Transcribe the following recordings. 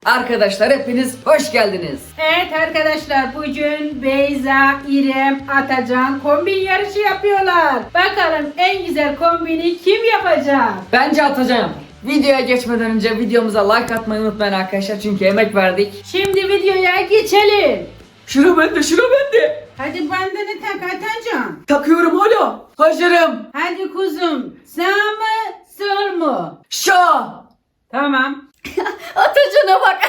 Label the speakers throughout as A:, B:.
A: Arkadaşlar hepiniz hoş geldiniz.
B: Evet arkadaşlar, bugün Beyza, İrem, Atacan kombin yarışı yapıyorlar. Bakalım en güzel kombini kim yapacak?
A: Bence atacağım. Videoya geçmeden önce videomuza like atmayı unutmayın arkadaşlar çünkü emek verdik.
B: Şimdi videoya geçelim.
A: Şura bende.
B: Hadi bandını tak Atacan.
A: Takıyorum hala. Hazırım.
B: Hadi kuzum, sağ mı sol mu?
A: Şa.
B: Tamam.
A: Atacan'a bak.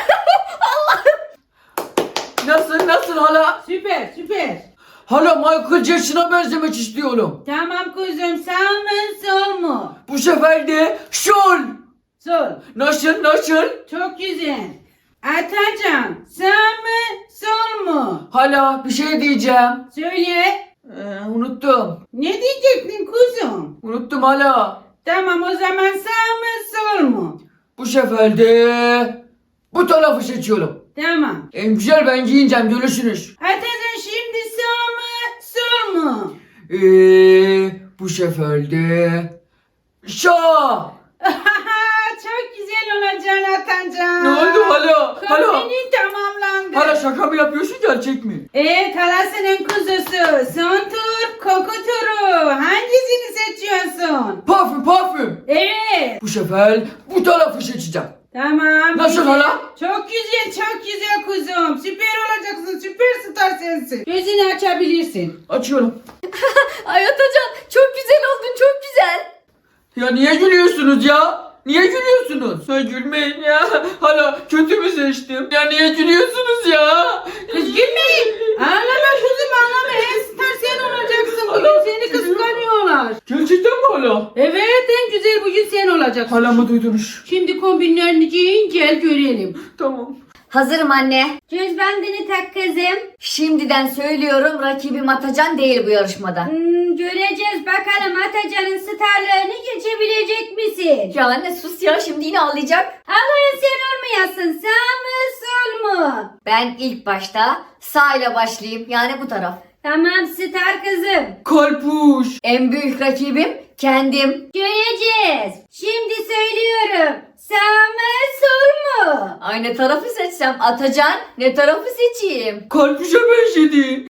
A: Allah'ım. Nasıl hala?
B: Süper.
A: Hala Michael Jackson'a benzemek istiyorum.
B: Tamam kuzum, sağ mı sol mu?
A: Bu sefer de şol.
B: Sol.
A: Nasıl?
B: Çok güzel. Atacan, sağ mı sol mu?
A: Hala bir şey diyeceğim.
B: Söyle.
A: Unuttum.
B: Ne diyecektin kuzum?
A: Unuttum hala.
B: Tamam, o zaman sağ mı sol mu?
A: Bu sefer de bu tarafı seçiyorum.
B: Tamam.
A: En güzel ben giyineceğim görürsünüz.
B: Atacan, şimdi sağ mı sol mu?
A: Bu sefer de şa.
B: Çok güzel olacaksın Atacan.
A: Ne oldu hala?
B: Kombinin tamamlandı.
A: Hala şaka mı yapıyorsun gerçek mi?
B: Evet, halasının kuzusu. Son tur koku turu. Hangisini seçiyorsun?
A: Parfüm.
B: Evet.
A: Bu sefer bu tarafı seçeceğim.
B: Tamam.
A: Nasıl
B: güzel.
A: hala?
B: Çok güzel kuzum. Süper olacaksın. Süperstar sensin. Gözünü açabilirsin.
A: Açıyorum.
C: Ay Atacan çok güzel oldun, çok güzel.
A: Ya niye gülüyorsunuz ya? Niye gülüyorsunuz? Ha gülmeyin ya. Hala kötü mü seçtim? Ya niye gülüyorsunuz ya?
B: Kız gülmeyin. Ağlama kuzum, ağlama. En star sen olacaksın. Bugün seni kıskanıyorlar.
A: Gerçekten mi hala?
B: Evet, en güzel bugün sen olacaksın.
A: Hala mı duydunuz?
B: Şimdi kombinlerini giyin, gel görelim.
A: Tamam.
C: Hazırım anne.
B: Göz bandını tak kızım.
C: Şimdiden söylüyorum rakibim Atacan değil bu yarışmada.
B: Göreceğiz bakalım Atacan'ın starlarını geçebilecek misin?
C: Ya anne sus ya şimdi yine ağlayacak.
B: Ağlayan sen olmayasın. Sağ mı sol mu?
C: Ben ilk başta sağ ile başlayayım yani bu taraf.
B: Tamam star kızım.
A: Kalpuş.
C: En büyük rakibim kendim.
B: Göreceğiz. Şimdi söylüyorum. Sağ mı sol mu?
C: Ay ne tarafı seçsem Atacan ne tarafı seçeyim?
A: Kalpuşa benzedi.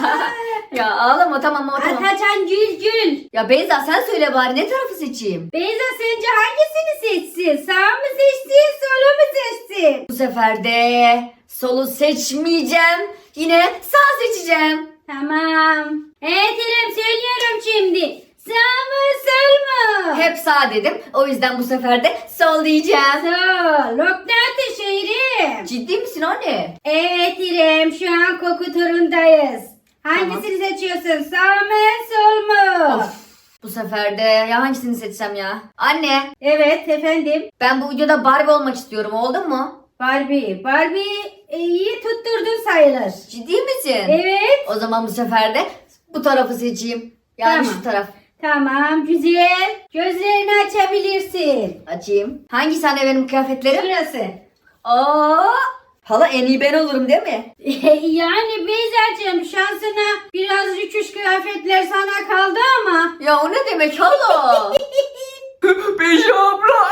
C: Ya ağlama tamam.
B: Atacan gül.
C: Ya Beyza sen söyle bari ne tarafı seçeyim?
B: Beyza sence hangisini seçsin? Sağ mı seçsin, solu mu seçsin?
C: Bu sefer de solu seçmeyeceğim. Yine sağ seçeceğim.
B: Tamam. Evet İrem, söylüyorum şimdi. Sağ mı sol mu?
C: Hep sağ dedim. O yüzden bu sefer de sol diyeceğim.
B: Sol. Nokta atışı İrem.
C: Ciddi misin anne?
B: Evet İrem, şu an koku turundayız. Hangisini seçiyorsun? Sağ mı sol mu?
C: Of. Bu sefer de ya hangisini seçsem ya? Anne
B: Evet efendim.
C: ben bu videoda Barbie olmak istiyorum. Oldu mu?
B: Barbie iyi tutturdun sayılır.
C: Ciddi misin?
B: Evet.
C: O zaman bu sefer de bu tarafı seçeyim. Yani
B: Tamam.
C: şu taraf.
B: Tamam, güzel. Gözlerini açabilirsin.
C: Açayım. Hangisi anne benim kıyafetlerim?
B: Şurası.
C: Aa, hala en iyi ben olurum değil mi?
B: Yani Beyza'cığım, şansına biraz rüküş kıyafetler sana kaldı ama.
C: Ya o ne demek hala?
A: Beyza abla.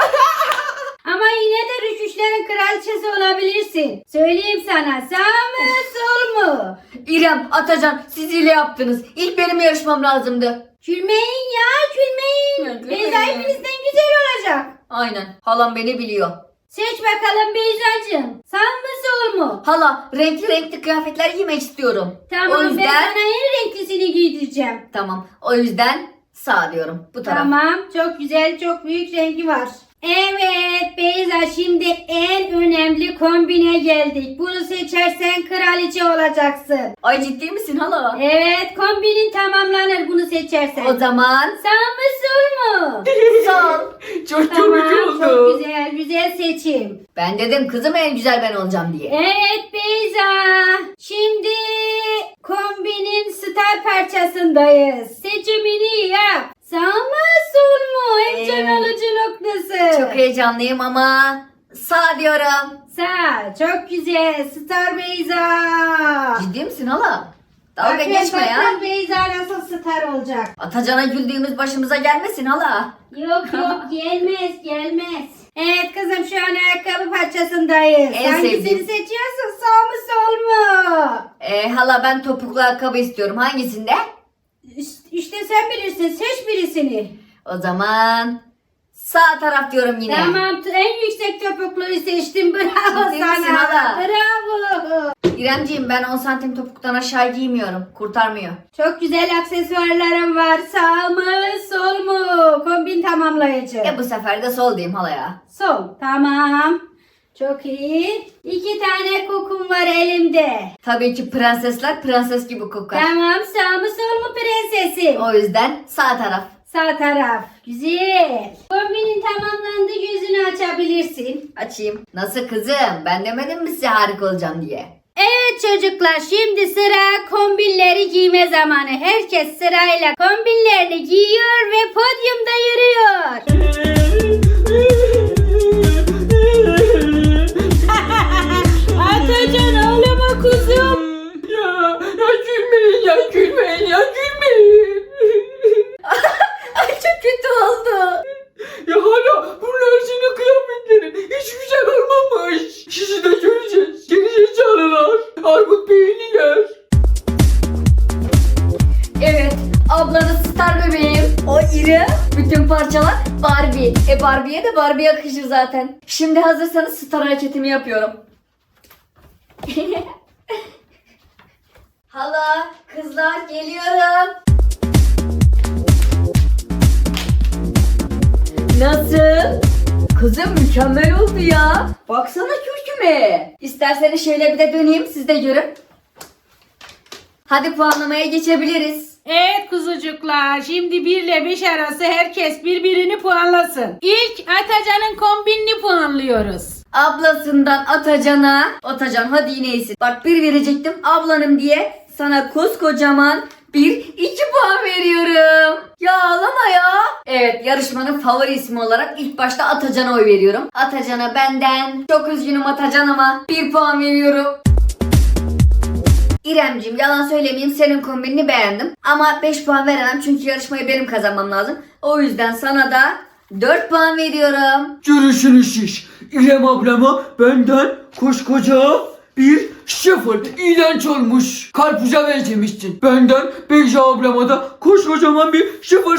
B: Ama yine de rüküşlerin kraliçesi olabilirsin. Söyleyeyim sana, sağ mı sol mu?
C: İrem, Atacan siz hile yaptınız. İlk benim yarışmam lazımdı.
B: Gülmeyin ya, gülmeyin.
C: Ya, gülmeyin.
B: Beyza hepinizden güzel olacak.
C: Aynen. Halam beni biliyor.
B: Seç bakalım Beyza'cığım. Sağ mı sol mu?
C: Hala renkli kıyafetler giymek istiyorum.
B: Tamam,
C: O yüzden
B: ben sana en renklisini giydireceğim.
C: tamam. O yüzden sağ diyorum. Bu taraf.
B: Tamam, çok güzel, çok büyük rengi var. Evet Beyza, şimdi en önemli kombine geldik. Bunu seçersen kraliçe olacaksın.
C: Ay ciddi misin hala?
B: Evet, kombinin tamamlanır bunu seçersen.
C: O zaman
B: Sağ mı sol mu?
C: sol.
A: Çok
B: Tamam,
A: komik oldu.
B: çok güzel seçim.
C: Ben dedim kızım en güzel ben olacağım diye.
B: Evet Beyza, şimdi kombinin star parçasındayız. Seçimini yap. Sağ mı sol mu? En can alıcı noktası.
C: Çok heyecanlıyım ama sağ diyorum.
B: Sağ, çok güzel. Star Beyza.
C: Ciddi misin hala? Dalga
B: Bakın,
C: geçme ya.
B: bakın Beyza nasıl star olacak.
C: Atacan'a güldüğümüz başımıza gelmesin hala.
B: Yok gelmez. Evet kızım şu an ayakkabı parçasındayız.
C: En
B: Hangisini
C: sevdiğim.
B: seçiyorsun? Sağ mı sol mu?
C: Hala ben topuklu ayakkabı istiyorum. Hangisinde?
B: İşte sen bilirsin. Seç birisini.
C: O zaman sağ taraf diyorum yine.
B: Tamam en yüksek topukluyu seçtim. Bravo
C: Ciddi misin
B: sana.
C: hala?
B: Bravo.
C: İremciğim ben 10 santim topuktan aşağı giymiyorum. Kurtarmıyor.
B: Çok güzel aksesuarlarım var. Sağ mı sol mu? Kombin tamamlayıcı.
C: Bu sefer de sol diyeyim halaya.
B: Sol. Tamam. Çok iyi. 2 tane kokum var elimde.
C: Tabii ki prensesler prenses gibi kokar.
B: Tamam sağ mı sol mu prensesim?
C: O yüzden sağ taraf.
B: Sağ taraf. Güzel. Kombinin tamamlandı, gözünü açabilirsin.
C: Açayım. Nasıl kızım? Ben demedim mi size harika olacağım diye?
B: Evet çocuklar, şimdi sıra kombinleri giyme zamanı. Herkes sırayla kombinlerini giyiyor ve podyumda yürüyor. Atacan ağlama kuzum.
A: Ya gülmeyin ya gülmeyin ya gülmeyin.
C: Ay çok kötü oldu.
A: Ya hala bunlar senin kıyafetlerin hiç güzel olmamış. Sizi de göreceğiz. Geri zekalılar. Armut beyinliler.
C: Evet, ablanız star bebeğim. O iri, bütün parçalar Barbie. Barbie'ye de Barbie yakışır zaten. Şimdi hazırsanız star hareketimi yapıyorum. Hala, kızlar geliyorum. Nasıl? Kızım mükemmel oldu ya. Baksana kürküme. İsterseniz şöyle bir de döneyim, siz de görün. Hadi puanlamaya geçebiliriz.
D: Evet kuzucuklar, şimdi 1 ile 5 arası herkes birbirini puanlasın. İlk Atacan'ın kombinini puanlıyoruz.
C: Ablasından Atacan hadi yine iyisin. Bak 1 verecektim ablanım diye sana koskocaman 2 puan veriyorum. Ya ağlama ya. Evet, yarışmanın favori ismi olarak ilk başta Atacan'a oy veriyorum. Atacan'a benden çok üzgünüm Atacan ama 1 puan veriyorum. İremciğim yalan söylemeyeyim, senin kombinini beğendim. Ama 5 puan veremem çünkü yarışmayı benim kazanmam lazım. O yüzden sana da 4 puan veriyorum.
A: Görüşünüz siz. İrem ablama benden koskoca 0 iğrenç olmuş. Karpuza benzemişsin. Benden Beyza ablama da koskocaman 0.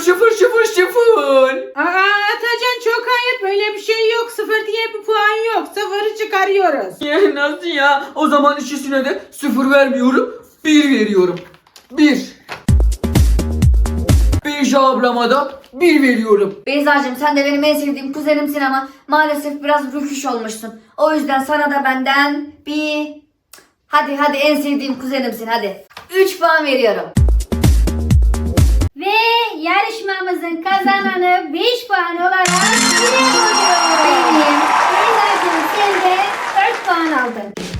D: Atacan çok ayıp, böyle bir şey yok. 0 diye bir puan yok. 0'ı çıkarıyoruz.
A: Ya nasıl ya? O zaman ikisine de 0 vermiyorum. 1 veriyorum. 1. Beyza ablama da 1 veriyorum.
C: Beyzacığım sen de benim en sevdiğim kuzenimsin ama maalesef biraz rüküş olmuşsun. O yüzden sana da benden Hadi en sevdiğim kuzenimsin hadi. 3 puan veriyorum.
B: Ve yarışmamızın kazananı 5 puan olarak İrem oluyor.
C: Benim.
B: Beyza'cığım sen de 4 puan aldın.